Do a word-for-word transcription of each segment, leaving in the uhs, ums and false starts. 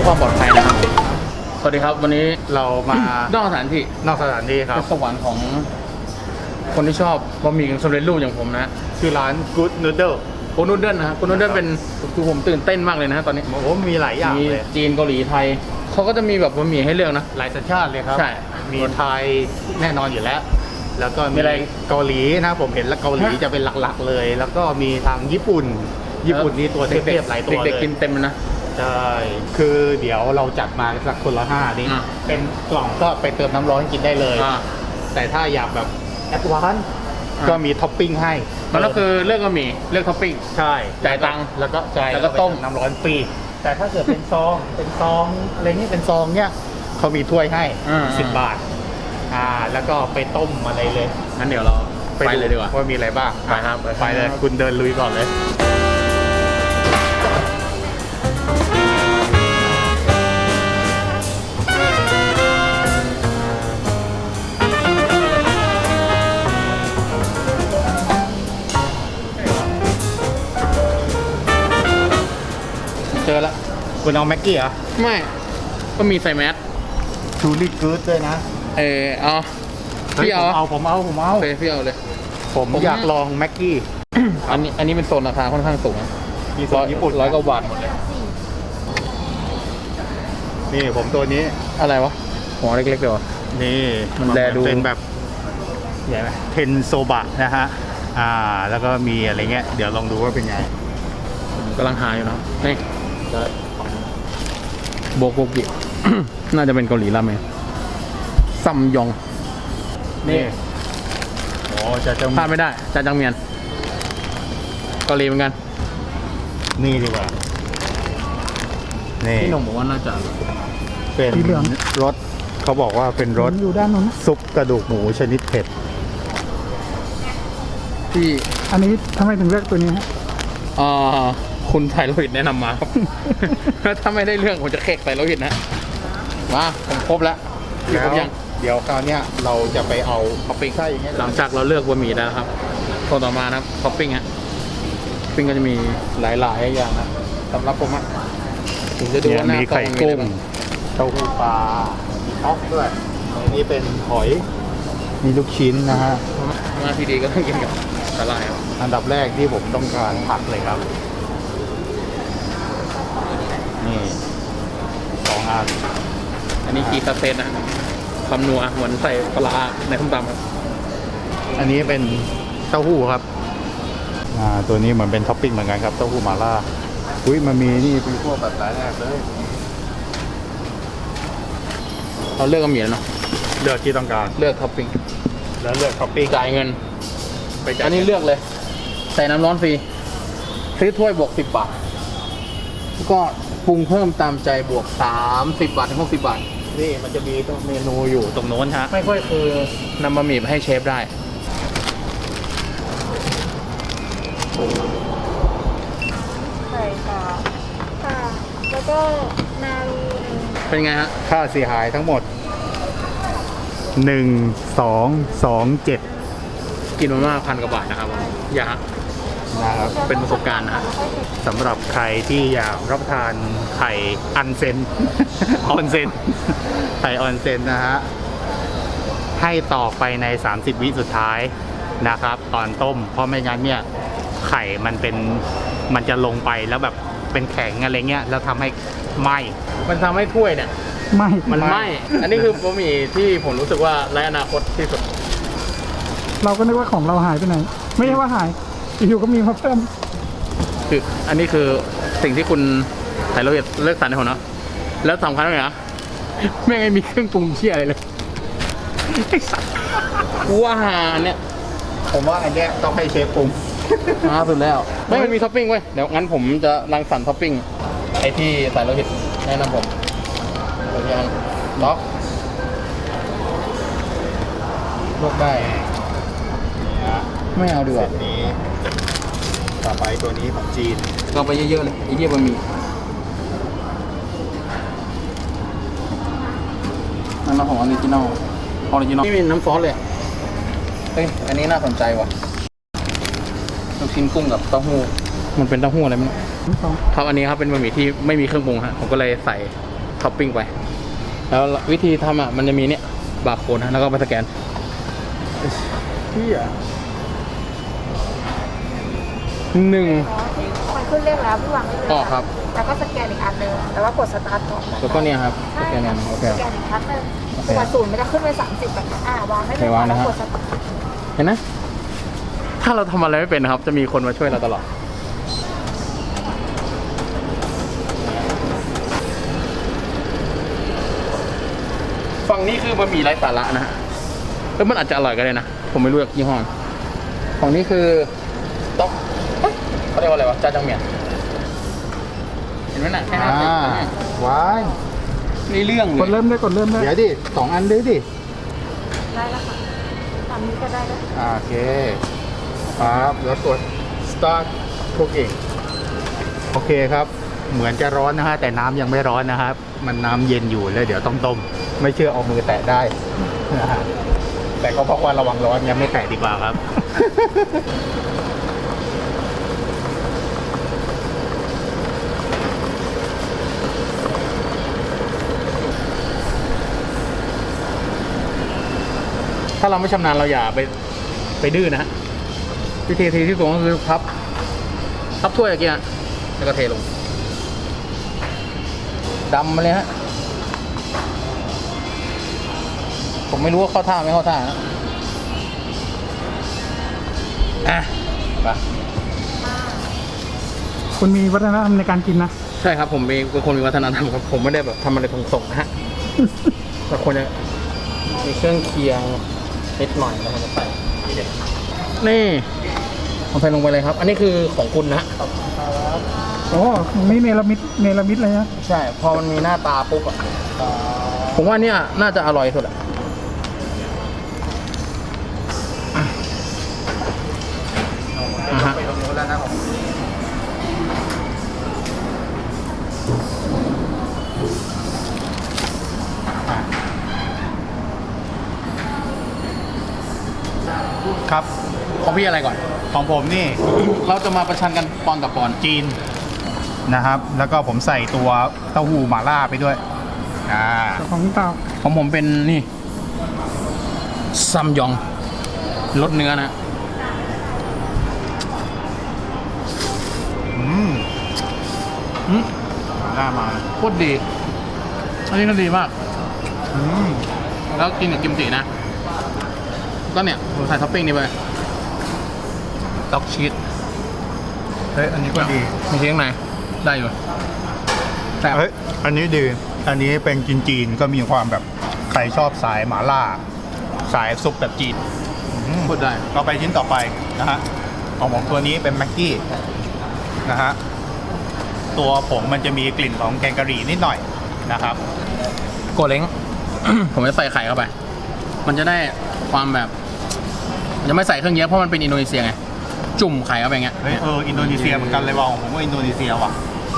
ความปลอดภัยนะครับสวัสดีครับวันนี้เรามานอกสถานที่นอกสถานที่ครับสวรรค์ของคนที่ชอบบะหมี่กึ่งสำเร็จรูปอย่างผมนะชื่อร้าน Good Noodle โกนูเดิลนะครับโกนูเดิลเป็นคือผมตื่นเต้นมากเลยนะตอนนี้โอ้มีหลายอย่างมีเลยจีนเกาหลีไทยเขาก็จะมีแบบบะหมี่ให้เลือกนะหลายสัญชาติเลยครับใช่มีไทยแน่นอนอยู่แล้วแล้วก็มีมีอะไรเกาหลีนะผมเห็นแล้วเกาหลีจะเป็นหลักๆเลย แล้วก็มีทางญี่ปุ่นญี่ปุ่นนี่ตัวเทพๆหลายตัวเลยเด็กๆกินเต็มนะใช่คือเดี๋ยวเราจัดมาสักคนละห้านี่เป็นกล่องก็ไปเติมน้ำร้อนกินได้เลยแต่ถ้าอยากแบบแอดวานซ์ก็มีท็อปปิ้งให้มันก็คือเลือกบะหมี่เลือกท็อปปิ้งใช่จ่ายตังค์แล้วก็จ่ายแล้วก็ต้มน้ำร้อนฟรีแต่ถ้าเกิดเป็นซองเป็นซองอะไรนี่เป็นซองเนี่ยเขามีถ้วยให้สิบบาทอ่าแล้วก็ไปต้มอะไรเลยงั้นเดี๋ยวเราไปเลยดีกว่าว่ามีอะไรบ้างไปครับไปเลยคุณเดินลุยก่อนเลยเจอแล้วคุณเอาแม็กกี้เหรอไม่ก็มีใส่แมสชูรี่กู๊ดด้วยนะเออเอาพี่เอาเอาผมเอาผมเอาโอเคพี่เอาเลยผมอยากลองแม็กกี้อันนี้อันนี้เป็นโซนราคาค่อนข้างสูงมีโซนญี่ปุ่นร้อยกว่าบาทหมดเลยนี่ผมตัวนี้อะไรวะหัวเล็กๆเลยวะนี่มันแลดูเป็นแบบใหญ่ไหมเทนโซบะนะฮะอ่าแล้วก็มีอะไรเงี้ยเดี๋ยวลองดูว่าเป็นไงกำลังหาอยู่นะนี่โบกโบกิ น่าจะเป็นเกาหลีราเมงซัมยองนี่โอ้จะจังพลาดไม่ได้จาจังเมียนเกาหลีเหมือนกันนี่ดีกว่านี่พี่หนุ่มบอกว่าน่าจะเป็นรสเขาบอกว่าเป็นรสอยู่ด้านนู้นซุปกระดูกหมูชนิดเผ็ดที่อันนี้ทำไมถึงเลือกตัวนี้ฮะอ่าคุณไทยโลหิตแนะนำมาครับ ถ้าไม่ได้เรื่องผมจะเค้กไทยโลหิตนะมาผมครบแล้วครบยังเดี๋ยวคราวนี้เราจะไปเอาท็อปปิ้งใช่อย่างเงี้ยหลังจากเราเลือกบะหมี่แล้วครับตัวต่อมานะครับท็อปปิ้งฮะปิ้งก็จะมีหลายๆอย่างนะสำหรับผมอ่ะผมจะดูว่าหน้ามีไข่กุ้งเต้าหู้ปลามีท็อปด้วยอันนี้เป็นหอยมีลูกชิ้นนะฮะมาที่ดีก็ต้องกินกับสาหร่ายครับอันดับแรกที่ผมต้องการผักเลยครับนี่สองอันอันนี้กีซาเซนนะความนัวเหมือนใส่ปลาในส้มตำครับอันนี้เป็นเต้าหู้ครับอ่าตัวนี้เหมือนเป็นท็อปปิ้งเหมือนกันครับเต้าหู้หม่าล่าอุ้ยมันมีนี่เป็นพวกแบบหลายแบบเลยเราเลือกบะหมี่แล้วเนาะเลือกที่ต้องการเลือกท็อปปิ้งแล้วเลือกท็อปปิ้งจ่ายเงินไปจ่ายอันนี้เลือกเลยใส่น้ำร้อนฟรีซื้อถ้วยบวกสิบบาทก็ปรุงเพิ่มตามใจบวกสามสิบบาทถึงหกสิบบาทนี่มันจะมีตัวเมนูอยู่ตรงโน้นฮะไม่ค่อยคือนำบะหมี่ไปให้เชฟได้ใส่ค่ะค่ะแล้วก็นารูเป็นไงฮะค่าเสียหายทั้งหมดหนึ่งสองสองเจ็ดกินมาม่าพันกว่าบาทนะครับอยากนะครับเป็นประสบการณ์นะสำหรับใครที่อยากรับประทานไข่อันเซน ออนเซนไข่ออนเซนนะฮะให้ต่อไปในสามสิบวิสุดท้ายนะครับตอนต้มเพราะไม่งั้นเนี่ยไข่มันเป็นมันจะลงไปแล้วแบบเป็นแข็งอะไรเงี้ยแล้วทำให้ไหม้มันทำให้ถ้วยเนี่ยไหม้มันไหม้อันนี้คือบะหมี่ที่ผมรู้สึกว่าไร้อนาคตที่สุดเราก็นึกว่าของเราหายไปไหนไม่ใช่ว่าหายอยู่ก็มีมาเพิ่มคืออันนี้คือสิ่งที่คุณไทยเราเลือกสรรให้ผมเนาะแล้วสำคัญเลยนะไม่ไงมีเครื่องปรุงเชี่ยอะไรเลยว่าเนี่ยผมว่าอันเนี้ยต้องให้เชฟปรุงมาสุดแล้วไม่มันมีท็อปปิ้งเว้ยเดี๋ยวงั้นผมจะรังสรรค์ท็อปปิ้งไอที่ใส่โลหิตแนะนำผมตัวอย่างล็อกลวกได้ไม่เอาดีกว่านี้ต่อไปตัวนี้ของจีนก็ไปเยอะๆเลยไอ้เหี้ยบะหมี่นั่นเราของออริจินอลออริจินอลนี่มีน้ำซอสเลยเฮ้ยอันนี้น่าสนใจว่ะลูกชิ้นกุ้งกับเต้าหู้มันเป็นเต้าหู้อะไรมั้งครับอันนี้ครับเป็นบะหมี่ที่ไม่มีเครื่องปรุงฮะผมก็เลยใส่ท็อปปิ้งไป แล้ววิธีทำอ่ะมันจะมีเนี่ยบาร์โค้ดนะแล้วก็ไปสแกนที่อ่ะหนึ่งมันขึ้นเลขแล้วพี่วางได้เลยอ๋อครับแล้วก็สแกนอีกอันหนึงแล้วก็กดสตาร์ทก่อนแล้วก็เนี่ยครับสใช่แกนเนี่ยโอเคสแกนอีกครั้งหนึงโอเคตัวศูนย์มันจะขึ้นเป็นสามสิบแบบนี้อ่าวางได้เลโอยเควางนะแล้วฮะกดสตาร์ทเห็นนะถ้าเราทำอะไรไม่เป็นนะครับ จะมีคนมาช่วยเราตลอดฝั่งนี้คือบะหมี่ไร้สาระนะฮะแล้วมันอาจจะอร่อยก็ได้นะ ผมไม่รู้จากยี่ห้อฝั่งนี้คือต๊อกเอ้ยเขาเรียกว่าอะไรวะจ้าจังเมียนเห็นไหมน่ะแค่นั้นเองว้ายนี่เรื่องเลกดยเริ่มด้วยกดเริ่มด้วยเดี๋ยวดิสองอันด้วยดิได้แล้วค่ะตามนี้ก็ได้แล้วอ่าโอเคครับแล้วกด start cooking โอเคครับ เหมือนจะร้อนนะฮะแต่น้ำยังไม่ร้อนนะครับ มันน้ำเย็นอยู่แล้วเดี๋ยวต้องต้ม ไม่เชื่อเอามือแตะได้นะฮะแต่ก็เพราะว่าระวังร้อนยังไม่แตะดีกว่าครับถ้าเราไม่ชำนาญเราอย่าไปไปดื้อนะฮะวิธีทีที่ถูกก็คือพับพับถ้วยอย่างเงี้ยแล้วก็เทลงดำมาเลยฮะผมไม่รู้ว่าเข้าท่าไม่เข้าท่านะอ่ะไปคุณมีวัฒนธรรมในการกินนะใช่ครับผมเป็นคนมีวัฒนธรรมครับผมไม่ได้แบบทำอะไรส่งๆนะฮะ แต่คนจะมีเครื่องเคียงนิดหน่อยแล้วมันจะใส่นี่เอาใส่ลงไปเลยครับ อันนี้คือของคุณนะโอ้นี่เนรมิตเนรมิตเลยนะใช่ พอมันมีหน้าตาปุ๊บอะผมว่าเนี่ยน่าจะอร่อยสุดอะอ่ะฮะครับของพี่อะไรก่อนของผมนี่เราจะมาประชันกันปอนกับปอนจีนนะครับ แล้วก็ผมใส่ตัวเต้าหู้หม่าล่าไปด้วยอ่าของเต่าของผมเป็นนี่ซัมยองรสเนื้อนะอืมอืมหม่าล่ามาโคตรดี อันนี้ก็ดีมากอืมแล้วกินกับกิมจินะ ก็เนี่ยผมใส่ท็อปปิ้งนี้ไปด็อกชีสเฮ้ยอันนี้ก็ดีมีชีสข้างในได้อยู่แต่บเฮ้ยอันนี้ดี อันนี้เป็นจีนๆก็มีความแบบใครชอบสายหม่าล่า สายซุปแบบจีนอืมพูดได้เราไปชิ้นต่อไปนะฮะของผมตัวนี้เป็นแม็กกี้นะฮะตัวผงมันจะมีกลิ่นของแกงกะหรี่นิดหน่อยนะครับโกเล้ง ผมจะใส่ไข่เข้าไป มันจะได้ความแบบมันจะไม่ใส่เครื่องเยอะเพราะมันเป็นอินโดนีเซียไง จุ่มไข่เข้าไปอย่างเงี้ยเฮ้ยเอออินโดนีเซียเหมือนกันเลยว่ะของผมว่าอินโดนีเซียว่ะ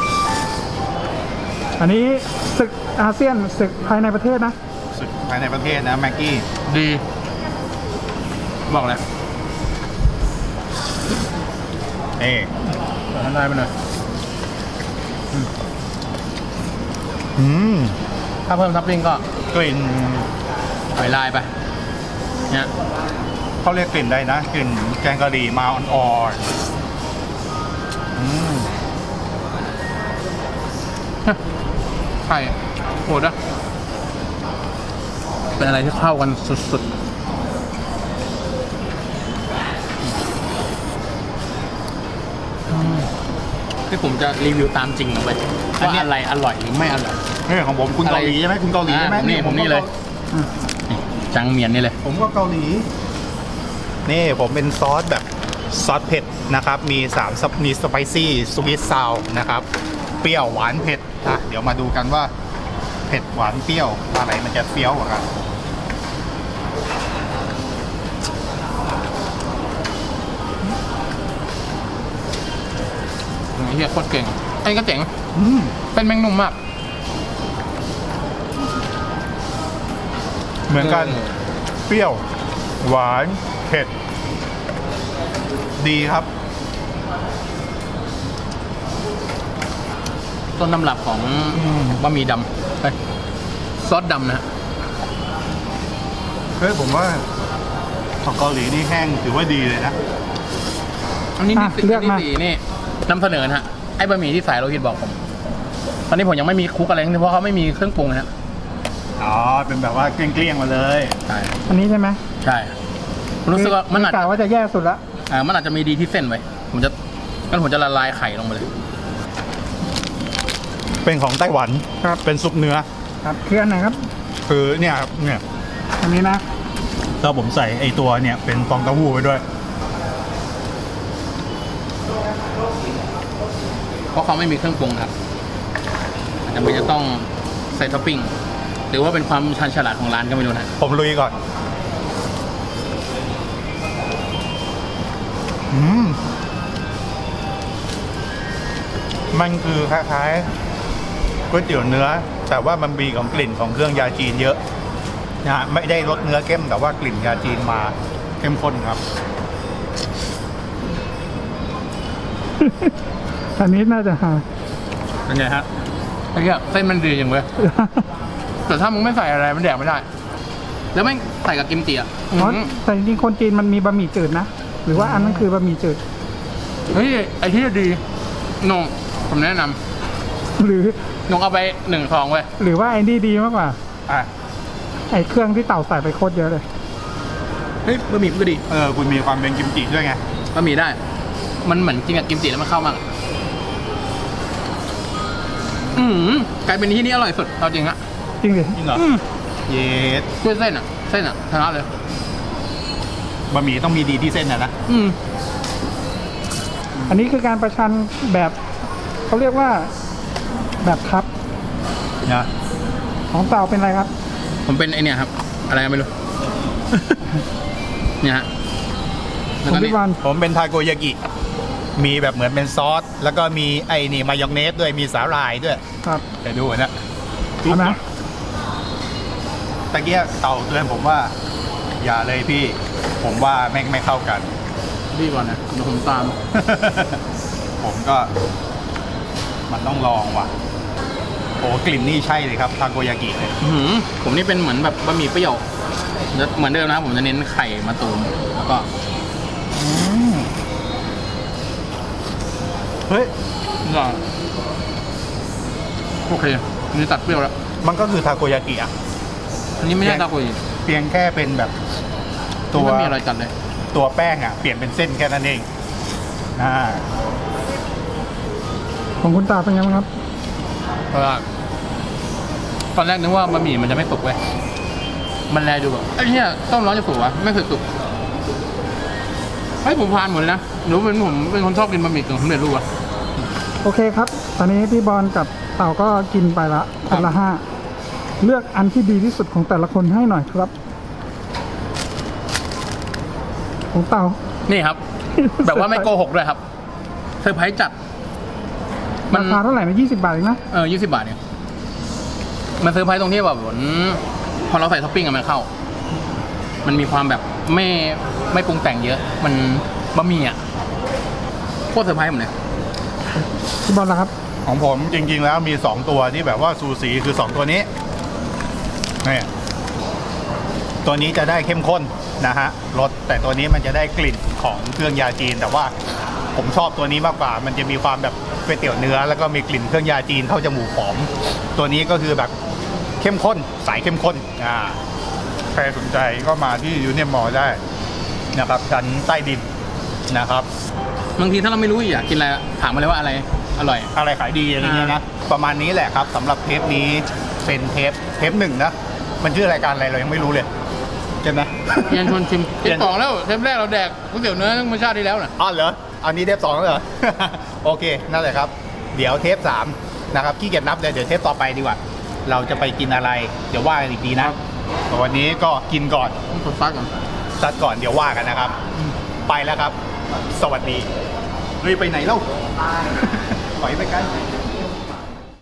อันนี้ศึกอาเซียนศึกภายในประเทศนะสุดภายในประเทศนะแม็กกี้ดี บอกเลยเอ๊ะบอกท่านได้ไปหน่อยอืมถ้าเพิ่มท็อปปิ้งก็กลิ่นหอยลายไป เนี่ยเขาเรียกกลิ่นได้นะกลิ่นแกงกะหรี่มาอ่อนๆอืมไข่โหดอะเป็นอะไรที่เข้ากันสุดๆอืมที่ผมจะรีวิวตามจริงลงไปว่าอะไรอร่อยหรือไม่อร่อยนี่ของผมคุณเกาหลีใช่ไหมคุณเกาหลีใช่ไหมอ่าผมนี่ผมนี่เลย นี่จังเมียนนี่เลยผมก็เกาหลี นี่ผมเป็นซอสแบบซอสเผ็ดนะครับ มีสามซับมีสไปซี่สวีทซาวนะครับ เปรี้ยวหวานเผ็ดอ่ะเดี๋ยวมาดูกันว่าเผ็ดหวานเปรี้ยวอะไรมันจะเฟี้ยวกว่ากันเฮียโคตรเก่งไอ้ก็เจ๋งอืมเป็นแมงนุ่มมากเหมือนกันเออเปรี้ยว หวานเผ็ด ดีครับต้นตำรับของอืมบะหมี่ดไปซอสดำนะฮะเฮ้ยผมว่าของเกาหลีนี่แห้งถือว่าดีเลยนะอันนี้อ่ะที่เลือกที่มาสี่นี่นำเสนอนะฮะไอ้บะหมี่ที่สายโลหิตบอกผม ตอนนี้ผมยังไม่มีคลุกอะไรทั้งสิ้นเพราะเขาไม่มีเครื่องปรุงนะฮะอ๋อ เป็นแบบว่าเกลี้ยงๆมาเลยใช่อันนี้ใช่ไหมใช่ผมรู้สึกว่ามันอาจกะจะว่าจะแย่สุดละอ่ามันอาจจะมีดีที่เส้นไว้ผมจะงั้นผมจะละลายไข่ลงไปเลยเป็นของไต้หวันครับเป็นซุปเนื้อครับคืออันไหนครับคือเนี่ยครับเนี่ยอันนี้นะแล้วผมใส่ไอตัวเนี่ยเป็นฟองเต้าหู้ไปด้วยเพราะเขาไม่มีเครื่องปรุงครับอาจจะไม่จะต้องใส่ท็อปปิ้งหรือว่าเป็นความชันฉลาดของร้านก็ไม่รู้นะผมลุยก่อน อืม มันคือคล้ายๆก๋วยเตี๋ยวเนื้อ แต่ว่ามันมีของกลิ่นของเครื่องยาจีนเยอะนะฮะไม่ได้รสเนื้อเข้มแต่ว่ากลิ่นยาจีนมาเข้มข้นครับอันนี้น่าจะหาเป็นไงฮะไอ้เหี้ยเส้นมันดีอย่างเว้ยแต่ถ้ามึงไม่ใส่อะไรมันแดกไม่ได้ แล้วไม่งใส่กับกิมจิอ่ะเพราะอื้อหือแต่จริงๆคนจีนมันมีบะหมี่จืดนะ หรือว่าอันนั้นคือบะหมี่จืดเฮ้ยไอ้ที่ดีนงผมแนะนหรือำนงเอาไปหนึ่งซองเว้ยหรือว่าไอ้นี่ดีมากกว่าอ่ะไอ้เครื่องที่เต่าใส่ไปโคตรเยอะเลยเฮ้ยบะหมี่มันก็ดีเออ คุณมีความเป็นกิมจิด้วยไงบะหมี่ได้ มันเหมือนกินกับกิมจิแล้วมันเข้ามากอืมกลายเป็นที่นี่อร่อยสุดเอาจริงอะจริงดิจริงเหรออืมเย็ดด้วยเส้นอะเส้นอะชนะเลยบะหมี่ต้องมีดีที่เส้นนะนะอืมอันนี้คือการประชันแบบเขาเรียกว่าแบบครับนะของเต่าเป็นอะไรครับผมเป็นไอเนี่ยครับ อะไรก็ไม่รู้ เนี่ยฮะแล้วคุก็ณนี่พี่บอลผมเป็นทาโกยากิ มีแบบเหมือนเป็นซอส แล้วก็มีไอ้นี่มายองเนสด้วย มีสาหร่ายด้วยครับเดี๋ยวดูนะเอานะตะเกียเต่าเตือนผมว่า อย่าเลยพี่ ผมว่าแม่งไม่เข้ากันพี่ก่อนนะเดี๋ยวผมตามผมก็ มันต้องลองว่ะ โอ้กลิ่นนี่ใช่เลยครับทาโกยากิเลยอื้อหือผมนี่เป็นเหมือนแบบบะหมี่เปรี้ยวเหมือนเดิมนะครับผมจะเน้นไข่มาตูมแล้วก็เฮ้ยก็โอเคอันนี้ตัดเปรี้ยวแล้วมันก็คือทาโกยากิอะอันนี้ไม่ใช่ตาคุยเพียงแค่เป็นแบบ ตัวไม่มีอะไรจัดเลยตัวแป้งอ่ะ เปลี่ยนเป็นเส้นแค่นั้นเอง อ่าของคุณตาเป็นไงบ้างครับเพราะว่าตอนแรกนึกว่าบะหมี่มันจะไม่สุกเว้ยมันแลดูแบบไอ้เหี้ยต้มร้อนจะสุกวะไม่เคยสุกเฮ้ยผมพานหมดเลยนะหนูเป็นผมเป็นคนชอบกินบะหมี่กึ่งสำเร็จรูปอะโอเคครับ ตอนนี้พี่บอลกับเต่าก็กินไปละคนละห้าเลือกอันที่ดีที่สุดของแต่ละคนให้หน่อยครับ ของเต่านี่ครับ แบบว่าไม่โกหกด้วยครับเซอร์ไพรส์จัด มันราคาเท่าไหร่นะยี่สิบบาทเองนะเออยี่สิบบาทเนี่ยมันเซอร์ไพรส์ตรงที่แบบเหมือนพอเราใส่ท็อปปิ้งอะมันเข้า มันมีความแบบไม่ไม่ปรุงแต่งเยอะ มันบะหมี่อะโคตรเซอร์ไพรส์ผมเลยพี่บอลล่ะครับของผมจริงๆแล้วมีสองตัวที่แบบว่าซูสีคือสองตัวนี้นี่ตัวนี้จะได้เข้มข้นนะฮะรสแต่ตัวนี้มันจะได้กลิ่นของเครื่องยาจีน แต่ว่าผมชอบตัวนี้มากกว่า มันจะมีความแบบก๋วยเตี๋ยวเนื้อ แล้วก็มีกลิ่นเครื่องยาจีนเข้าจมูกหอมตัวนี้ก็คือแบบเข้มข้นสายเข้มข้นอ่าใครสนใจก็มาที่ยูเนียนมอลล์ได้นะครับชั้นใต้ดินนะครับบางทีถ้าเราไม่รู้อยากกินอะไรถามมาเลยว่าอะไรอร่อยอะไรขายดีอะไรเงี้ยนะประมาณนี้แหละครับสำหรับเทปนี้เป็นเทปเทปหนึ่งนะมันชื่อรายการอะไรเรายังไม่รู้เลยใช่ไหมเรียนชวนชิมเรีเทยปนสองแล้วเทปแรกเราแดกก๋วยเตี๋ยวเนื้อตั้งมาชาติที่แล้วน่ะอ๋อเหรออันนี้เทปสองแล้วเหรอ โอเคนั่นแหละครับ เดี๋ยวเทปสามนะครับขี้เกียจนับเลยเดี๋ยวเทปต่อไปดีกว่า เราจะไปกินอะไรเดี๋ยวว่ากันอีกทีนะแต่วันนี้ก็กินก่อนต้องกดซักก่อนซัดก่อนเดี๋ยวว่ากันนะครับ ไปแล้วครับ สวัสดีเฮ้ยไปไหนเล่า ปล่อยไปกัน